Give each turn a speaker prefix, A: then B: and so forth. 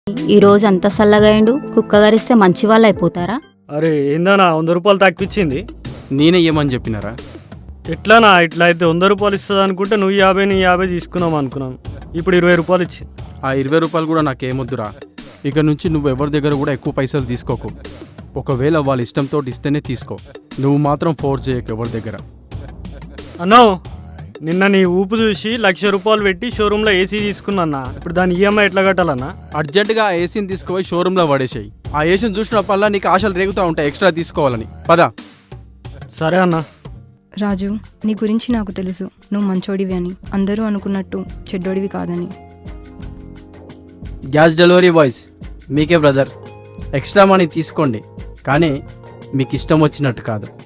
A: ఈరోజు అంత సల్లగాయండు కుక్క గరిస్తే మంచి వాళ్ళు అయిపోతారా?
B: అరే ఏందన్నా 100 రూపాయలు తక్కువిచ్చింది.
C: నేనే ఏమని చెప్పినారా?
B: ఎట్లానా ఇట్లా అయితే 100 రూపాయలు ఇస్తుంది అనుకుంటే నువ్వు 50 నీ 50 తీసుకున్నావు అనుకున్నాను. ఇప్పుడు 20 రూపాయలు ఇచ్చింది.
C: ఆ 20 రూపాయలు కూడా నాకేమొద్దురా. ఇక నుంచి నువ్వు ఎవరి దగ్గర కూడా ఎక్కువ పైసలు తీసుకోకు. ఒకవేళ వాళ్ళ ఇష్టంతో ఇస్తేనే తీసుకో. నువ్వు మాత్రం ఫోర్స్ చేయకు ఎవరి దగ్గర.
B: అన్నో నిన్న నీ ఊపు చూసి 1,00,000 రూపాయలు పెట్టి షోరూంలో ఏసీ తీసుకున్నా. ఇప్పుడు దాని ఈఎంఐ ఎట్లా కట్టాలన్నా?
C: అర్జెంటుగా ఆ ఏసీని తీసుకుపోయి షోరూంలో పడేసాయి. ఆ ఏసీని చూసినప్పల్లా నీకు ఆశలు రేగుతూ ఉంటాయి ఎక్స్ట్రా తీసుకోవాలని. పదా.
B: సరే అన్నా.
D: రాజు, నీ గురించి నాకు తెలుసు. నువ్వు మంచోడివి అని, అందరూ అనుకున్నట్టు చెడ్డోడివి కాదని.
E: గ్యాస్ డెలివరీ బాయ్స్ మీకే బ్రదర్, ఎక్స్ట్రా మనీ తీసుకోండి, కానీ మీకు ఇష్టం వచ్చినట్టు కాదు.